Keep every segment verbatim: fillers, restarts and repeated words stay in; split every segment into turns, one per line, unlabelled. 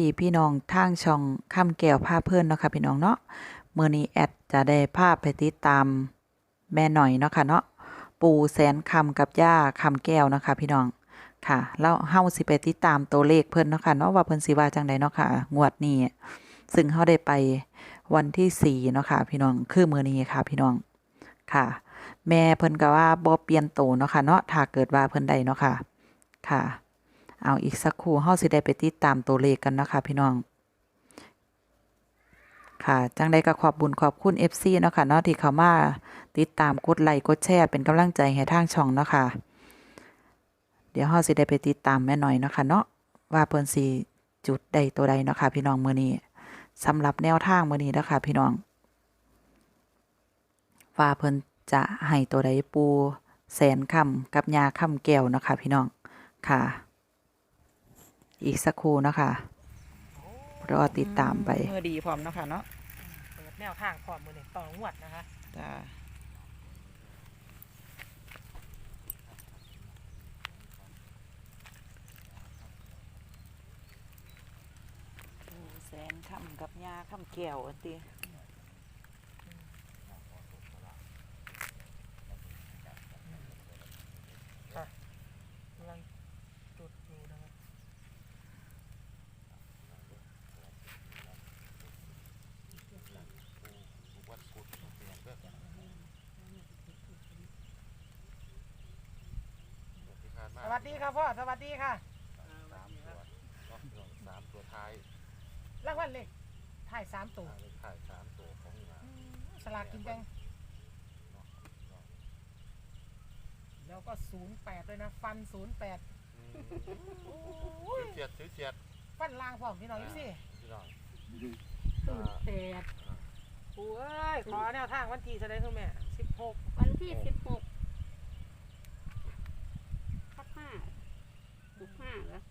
พี่น้องทางช่องคำแก้วพาเพิ่นเนาะค่ะพี่น้องเนาะมื้อนี้แอดจะได้พาไปติดตามแม่หน่อยเนาะค่ะเนาะปู่แสนคำกับย่าคำแก้วเนาะค่ะพี่น้องค่ะแล้วเฮาสิไปติดตามตัวเลขเพิ่นเนาะค่ะเนาะว่าเพิ่นสิว่าจังไดเนาะค่ะงวดนี้ซึ่งเฮาได้ไปวันที่สี่เนาะค่ะพี่น้องคือมื้อนี้ค่ะพี่น้องค่ะ แม่เพิ่นก็ว่าบ่เปลี่ยนโตเนาะค่ะเนาะถ้าเกิดว่าเพิ่นได้เนาะค่ะค่ะเอาอีกสักครู่เฮาสิได้ไปติดตามตัวเลขกันเนาะค่ะพี่น้องค่ะจังใดก็ขอบบุญขอบคุณ เอฟ ซี เนาะค่ะเนาะที่เข้ามาติดตามกดไลค์กดแชร์เป็นกำลังใจให้ทางช่องเนาะค่ะเดี๋ยวเฮาสิได้ไปติดตามแม่หน่อยเนาะค่ะเนาะว่าเพิ่นสิจุดใดตัวใดเนาะค่ะพี่น้องมื้อนี้สำหรับแนวทางมื้อนี้เนาะค่ะพี่น้องว่าเพิ่นจะให้ตัวใดปูแสนคำกับยาคำแก้วเนาะค่ะพี่น้องค่ะอีกสักครู่เนาะค่ะรอติดตามไปเมื่อดีพร้อมเนาะค่ะเนาะ
เปิดแนวทางพร้อมมือหนึ่งต่องวดนะคะ
จ้าปูแสนคำกับยาคำแก้วอันตี
กำลังจุดอยู่นะคะสวัสดีครับพ่อสวัสดีค่ะ
สามตัวสามตัวท้าย
รางวัลเลขถ่ายสามตัว
ถ่ายสามตัวของงาน
สลากกินแบ่งแล้วก็ศูนย์แปดด้วยนะฟันศูนย์แปด
เฉียดเฉียด
ฟันล่างพร้อมพี่น้องอยู่สิ
พี่น้อง
ศูนย์แปดโอ้ยขอแนวทางวันที่จะได้ทุกแม่สิบหก
วันที่สิบหกทับห้าบุกห้าเหรอ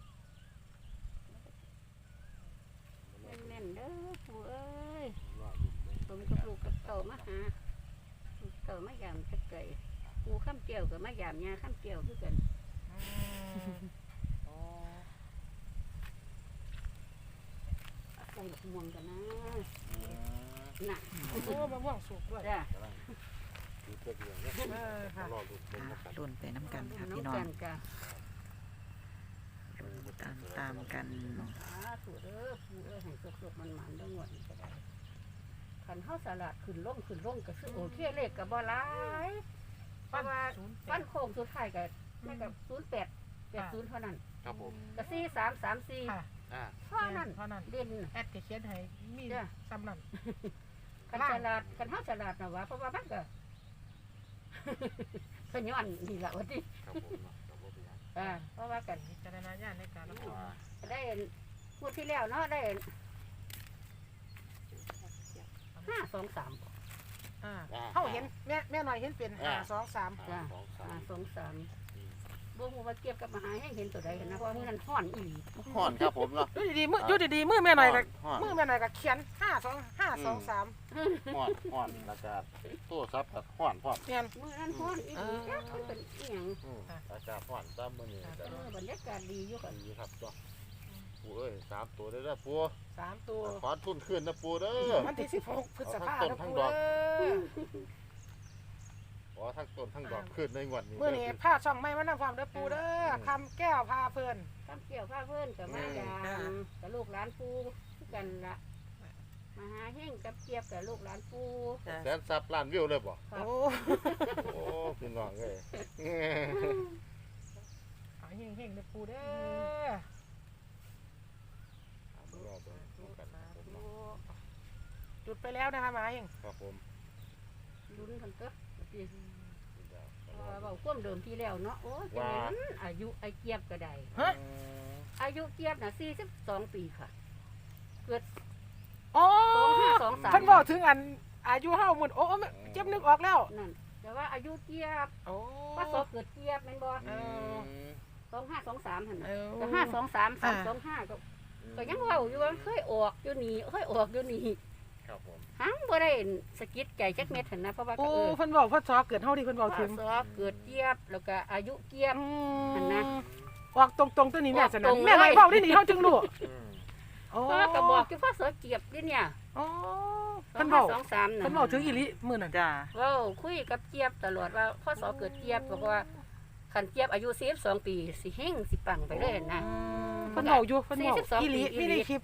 แน่นๆเด้อปู่เอ้ยผมกับลูกกับเต่ามาหาเต่ามายามจะเกยปูข้ามเกี่ยวกับมายามยาข้ามเกี่ยวคือกันใส่ดอกม่วงกันนะน่ะ
โอ้มะม่วงสุกด้วย
จ้ะ
รุ่นไปน้ำกันค่ะพี่น้องตามตามกัน
ปู่เด้อปู่เอ้ยให้สุกๆมันๆต้องหมดก็ได้ขันข้าวสลัดขึ้นล่งขึ้นล่งก็คือโอเคเลขกับบ่หลายเพราะว่าฟันโค้งสุดท้ายกับแม่กับศูนย์แปดแปดศูนย์เท่านั้น
ครับผม
กับสี่สามสามสี่เท่านั้น
เท่านั้น
เด่น
แอดเขียนให้มีซ้ำนั่น
ขันสลัดขันข้าวสลัดนะวะเพราะว่ามันก็ขย้อนนี่แหละวันที่เพราะว่ากัน
จารณญาณในการรับฟัง
ได้พูดที่แล้วเนาะได้ห้าสองสาม
เขาเห็นแม่แม่หน่อยเห็นเป็นห้าสองสาม
ห้าสองสามบ่ฮู้ว่าเก็บกับมหาให้เห็นตัวใดเห็นนะเพราะมื้อนั้นฮ้อนอีหลี
ฮ้อนครับผมเนาะ
อยู่ดีๆมืออยู่ดีๆมือแม่หน่อยก็มือแม่หน่อยก็เขียนห้าสองห้าสองสาม
ฮ้อนฮ้อนแล้วก็ตู้ซับกับฮ้อนพร้อม
มื้อนั้นฮ้อนอีหลีจ้ะมันเป็นอีหยัง
อากาศฮ้อนตามมื้อนี้
ก็บรรยากาศดีอยู่กัน
ดีครับจ้ะปู่เอ้ยสามตัวได้แล้วปู่
สามตัว
ขอทุนขึ้นนะปู่เด้อ
วันที่สิบหกพฤษภาคม
ทั้งดอกอ๋อทั้งต้นทั้งดอกขึ้นในวันนี้
เมื่อนี้ผ้าช่องไม้มานำความเด้อปูเด้อคำแก้วพาเพื่อน
คำแก้วพาเพื่อนกับมายามกับลูกหลานปูกันละมาหาเฮงกับเกียบกับลูกหลานปู
แสนซับล้านวิวเลยบ่
โอ้
โอ้พี่น้องเอ้ย
หาเฮงเฮงเด้อปูเด้อจุดไปแล้วนะคะมาเอง
ครับผม
ลุ้นกันก็เราควบเดิมที่แล้วเนาะโอ้ยอายุไอเกียบก็ได้อายุเกียบน่ะสี่สิบสองปีค่ะเกิด
โอ้ท่านบอกถึงอันอายุเท่าหมดโอ้เจ็บนึกออกแล้ว
นั่นแต่ว่าอายุเกียบว่าสอบเกิดเกียบแม่นบ่สองห้าสองสามหันแต่ห้าสองสามสามสองห้าก็ก็ยังเว้าอยู่ว่าเคยออกอยู่นี่เคยออกอยู่นี่
ครับผม
หังบ่ได้สะกิดใจจักเม็ดหันนะเพราะว่า
โอ้เพิ่นบอกพ่อซอเกิดเท่าที่เพิ่นบอกถึง
ซอเกิดเกียบแล้วก็อายุเกียบหันนะ
ออกตรงๆตัวนี้แม่สนั่นแม่ไว้เว้าได้นี่เฮาจึงรู้โอ้
เพราะว่าก็บอกที่พ่อสอเกียบนี่เนี่ย
โอ้
สอ
เพิ่
ง
น
ห้า
เว้า
สองสามน่ะ
เพิ่นเว้าถึงอีหลีมื้อนั้น
จ้า
เว้าคุยกับเจี๊ยบตลอดว่าพ่อสอเกิดเจี๊ยบบอกว่าคันเจี๊ยบอายุสี่สิบสองปีสิเฮงสิปังไปเลยนะ
เพิ่นเว้าอยู่เพิ่นเว้า
สี่สิบสอง
อีหลี
ปี
มีในคลิป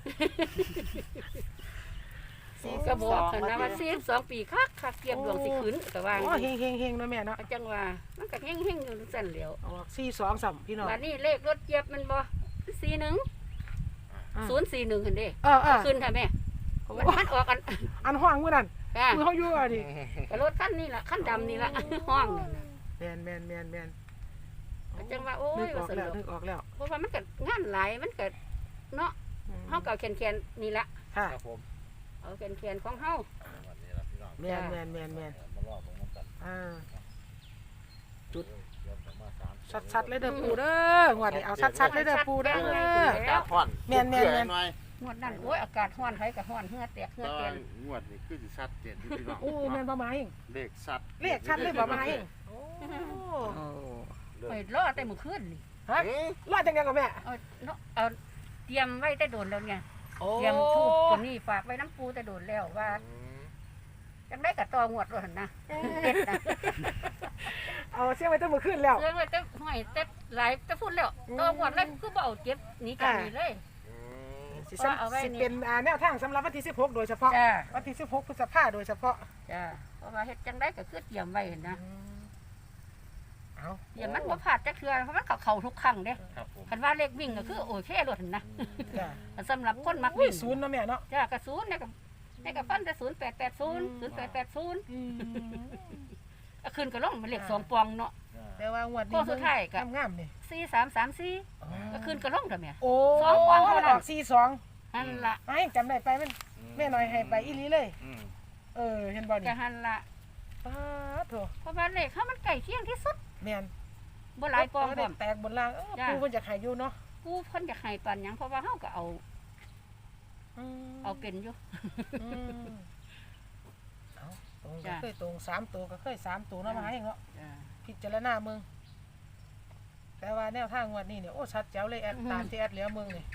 ก็บอกคันนะว่าสี่สิบสองปีคักคักเจี๊ยบดวงสิขึ้นก็ว่า
โอ้เฮงๆๆเนาะแม่เนาะ
ก็จังว่ามันก็เฮงเฮงๆอยู่สั่นแหล้ว
ออกสี่สองสามพี่น้อง
บัดนี้เลขรถเจี๊ยบมันบ่สี่หนึ่ง
อ่า
ศูนย์สี่หนึ่งเห็นเด้
เออเออ
ขึ้นค่ะแม่มันมันออกกัน
อันห้องมื้อนั้น
ค่ะ
มื้อเฮาอยู่อ่ะดิ
ก็รถคันนี้ล่ะคันดำนี่ล่ะ ห้องนั่นน่ะ
แม่นแม่นแม่นแม่น
ก็จังว่าโอ้
นึ
ย
กอ
ว่า
อก
ส
แล้ว
นุก
นึกออกแล้ว
เพราะว่ามันก็งานหลายมันก็เนาะ
อืม
เฮาก็เอาแคนๆนี่ละ
ค่ะ
ครับผม
เอาแคนๆของเฮา
วันนี้ละพี่น้อง
แม่นแม่นแม่นแม่น
มารอบของน้ำกัน
อ่า
จุดเดี๋ยวผมมาสาม
ชัดๆเลยเด้อปูเด้องวดนี้เอาชัดๆเลยเด้อปูเด้อ
กาฮ้อน
แม่นแม่นแม่น
หน่อย
งวดนั้นโอ้ยอากาศร้อนไผก็ร้อนเหงื่อแตกเหงื่
แต่
อแต
ว่าน งวดนี้คือสิชัดเจนที่พี่น้อง
โอ้แม่นบ่มาเอง
เลขชัด
เลขชัดเลยบ่มาเองโอ้
โอ้
ไปรอแต่มื้อคืนนี่
ฮะรอดจังได๋กับแม่
เอาเนาะเอาเตรียมไว้แต่โดนแล้วไง
โอ้
เตรียมทูบตัวนี้ฝากไว้น้ำปูแต่โดนแล้วว่าจังได้กับตองวดว่าหั่นนะเด็ดนะ
เอาเสียงไว้ตั้งมื้อคืนแล้ว
เรื่องไว้แต่ห้อยแต่หลายแต่พูดแล้วตองวดแล้วคือบ่เอาเจ็บหนีจากนี่เลย
สิซ้ำ
เอาไว้
สิ
นี่
เป็นอ่าแนวทางสำหรับวันที่สิบหกโดยเฉพาะ
จ้า
วันที่สิบหกพฤษภาโดยเฉพาะ
จ้าเพราะว่าเฮ็ดจังได้ก็คือเตรียมไว้หั่นนะ
เอา
เตรียมมันบ่พลาดจักเทื่อเพราะมันเข้าเข้าทุกครั้งเด้
ครับผม
คันว่าเลขวิ่งก็คือโอเครถหั่นนะ
จ้า
แต่สำหรับคนมัก
อุ้ย
วิ่ง
ศูนย์เนาะแม่เนาะ
จ้ากระศูนย์เนี่ยก็เนี่ยก็ฟันแต่ศูนย์แปดแปดศูนย์ศูนย์แปดแปดศูนย์
อืม
ก็ขึ้นก็ลงมันเลขสองปองเนาะ
แต่ว่างวด
ข้
นี้
อสุดท้ายก็
งามๆนี่
สี่สามสามสี่ก็ขึ้นก็ลงเถอะแม่
โอ้
สองกวางเท่านั้น
ออกสี่สอง
หันละ
ไอ้จำได้ไปมันแม่น้อยให้ไปอีหลีเลย
อืม
เออเห็นบ่
จะ
นี่
หันละ
ป้าดโถ
เพราะว่าเลขเขามันใกล้เคียงที่สุด
แม่น
บ่หลายปองพ
ได้
ร้อม
แตกบนล่างเออ
จ้ะ
ปูเพิ่นจะขายอยู่เนาะ
กูเพิ่นจะให้ปานหยังเพราะว่าเฮาก็เอา
อืม
เอาเป็นอยู่
อืมเอาตรงก็
จ้ะ
เคยตรงสามตัวก็เคยสามตัวเนาะมาให้เนาะ
จ้า
พิจารณาเมืองแต่ว่าแนวทางงวันนี้เนี่ยโอ้ชัดแจ๋วเลยแอด
อือฮึ
ตามที่แอดเหลือเมืองนี่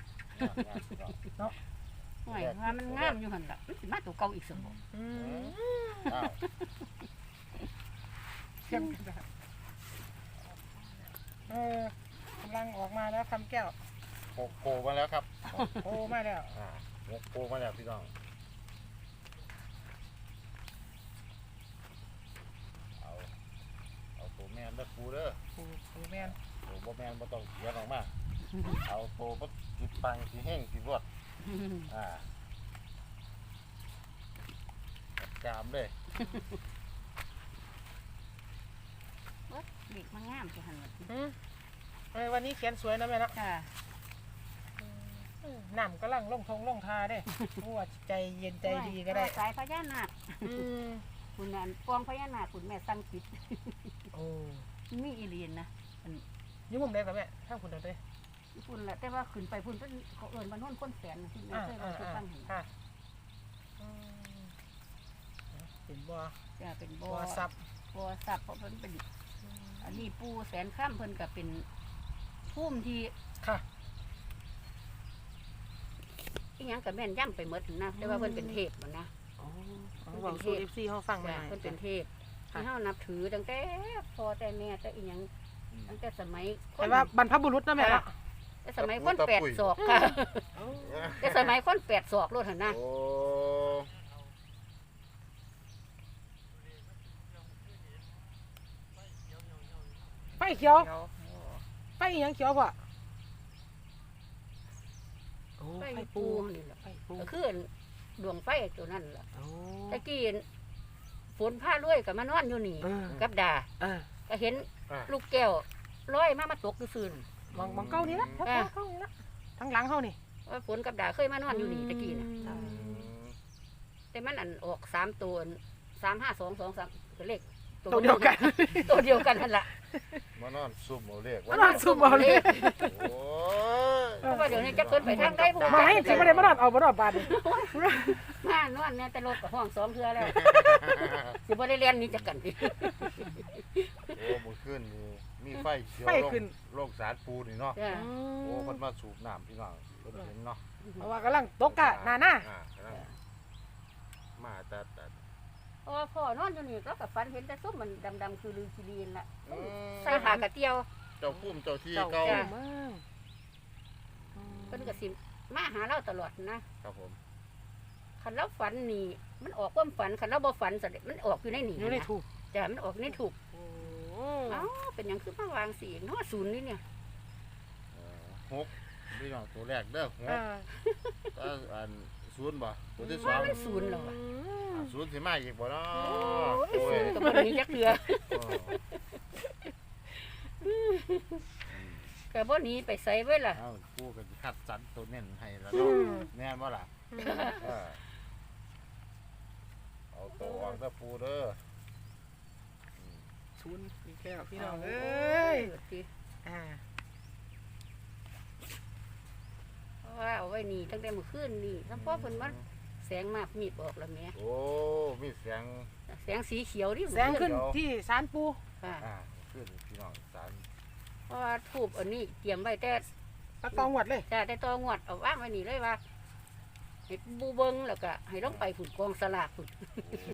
ห่วยว่ามันงามอยู่หั่นล่ะมันสิมาตัวเก่าอีกซั่นบ่
อืม
อ้าว
เออกำลังออกมาแล้วคำแก้ว
หกโกมาแล้วครับ
โอ้มาแล้ว
อ่าหกโกมาแล้วพี่น้องเอาเอาตัวแมนเด้อปูเด้อ
ปูปูแมน
ตัวบ่แมนบ่ต้องเขียนออกมาเอาตัวบ่สิปังสิแห้งสิรวดอ่าจามเลย
เลขมันงามจังหั่นล่ะ
อืมเออวันนี้เขียนสวยนะแม่เนาะ
จ้า
อืมน้ำกำลังลงทงลงทาเด้โอ้ใจเย็นใจดีก็ได้
สายพญานาค
อืม
คุณนั่นปองพญานาคคุณแม่สั่งปิด
โอ้
มีอีเลียนนะ
อยุ่งมุมใดกับแม่ทางคุณเดินเลย
พุ่นแหละแต่ว่าขึ้นไปพุ่นเป็นเขาเอิญบ้านโน้นคนแสนนะที่แม่
อ่า
เคย
อ่า
มาคือ
อ่า
ฟังเห็น
ค่ะอืมเป็นบ่อ
จะเป็นบ่
บ่
อ
อซับ
บ่อสับเพราะเพิ่นเป็นอันนี้ปูแสนข้ามเพิ่นก็เป็นพุ่มที่
ค่ะ
อีหยังกับแม่นย่ำไปหมดนะแต่ว่าเพิ่นเป็นเทพมันนะ
อ๋อบอกสู่เอฟซีเขาฟังมา
จ้ะ
หน่อย
เพิ่นเป็นเทพ
ค่ะ
ที่เฮานับถือตั้งแต่พ่อแต่แม่แต่อีหยังตั้งแต่สมัยค
แต่
น
ว่าบรรพบุรุษนะแม่เนาะ
แต่สมัยคนแปดศอกค่ะแต่สมัยคนแปดศอกโลดหั่นนะ
โอ้
ไฟเขียว
เดี๋ยว
ไฟอีหยังเขียวพ่อโอ้
ไฟ
ไฟ
ปู
ปู
นี่แหละ
ไฟปู
ก็คือดวงไฟตัวนั้นล่ะ
โอ้
ตะกี้ฝนผ้าลุยกับมานอนอยู่นี่
เออ
กับดา
เออ
ก็เห็น
อ่ะ
ลูกแก้วลอยมามาตกอยู่ซื่น
มองมองเก้านี่ละ
อ่า
เก้านี่ละทั้งหลังเขานี่
ว่าฝนกับดาเคยมานอนอยู่นี่ตะกี้นะ
อืม
แต่มันอันออกสามตัวสามห้าสองสองสามเลข
ตัวเดียวกัน
ตัวเดียวกันนั่นแหละ
มานอนซุ่มเอาเลข
มานอนซุ่มเอาเลข
โอ้ย
เพราะว่าเดี๋ยวนี้จะขึ้นไปทางใดผู้
มาให้สิบ่ได้มานอนเอาบ่นอนบาดนี่
มานอนเนี่ยแต่รถกับห้องสองเทือแล้วสิบ่ได้เรียนหนี้จักกันดิ
โอ้มื้อคืนนี่มีไฟเขียว
ไฟ
ลง
ขึ้น
โลกสารปูนี่เนาะ
จ้ะ
โอ้เพิ่นมาสูบน้ำพี่น้องเพิ่นเห็นเนาะ
อ
เพราะว่ากำลังตกกะหน้าหน้า
อ่กำลังมาแต่แต่
เพราะว่าพ่อนอนอยู่นี่เราก็ฝันเห็นแต่ส้มมันดำๆคือลือกิลีนล่ะ
อืม
ใส่หากระเตียว
เจ้าพุ่มเจ้าที่
เจ้า
เก่า
เจ้าเมือง
เพิ่นก็สิมาหาเราตลอดนะครับ
ผม
คันเราฝันนี่มันออกความฝันคันเราบ่ฝันซะเด้มันออกอยู่ในนี่
อยู่ในถูก
จ้ะมันออกในถูก
โอ้
เอ้าเป็นหยังคือมาวางสีเนาะศูนย์นี่เนี่ย
เอ่อหกพี่น้องตัวแรกเด้อห
เอก อ
ก็อันศูนย์บ่ตัวที่ส
ว่า
อง
มันศูนย์แล้วอะ
อ่าศูนย์สิมาอีกบ่เนาะ
โอ้ย
โอ้
ศู
ย
นย์ก็บ่ได้มีจักเทื่อ ก็บ่หนีไปไสไว้ล่ะ
เอ้ากูก็สิคัดสรรตัวเน้นให้แล้ว
อื
เนาะ
ม
แม่นบ่ล่ะเออเอาตัวออกเด้อปูเด้อ
ศูนย์อีกแล้วพี่น้องเอ้ย
สิ
อ่า
เพราะว่าเอาไว้นี่ตั้งแต่เมื่อคืนนี่แล้วพอเพิ่นมาแสงมากมีดออกแล้วแม่
โอ้มีเสียง
แสงสีเขียวนี่
แสงขึ้นที่ศาลปู
ค่ะ
อ่าขึ้นพี่น้องสาร
เพราะว่าทูบอันนี้เตรียมไว้แต่
ตะตองหวัดเลย
จ้าแต่ตองวดเอาวางไว้นี่เลยว่าให้บูเบิงแล้วก็ให้ลงไปฝุ่นกองสลากฝุ่น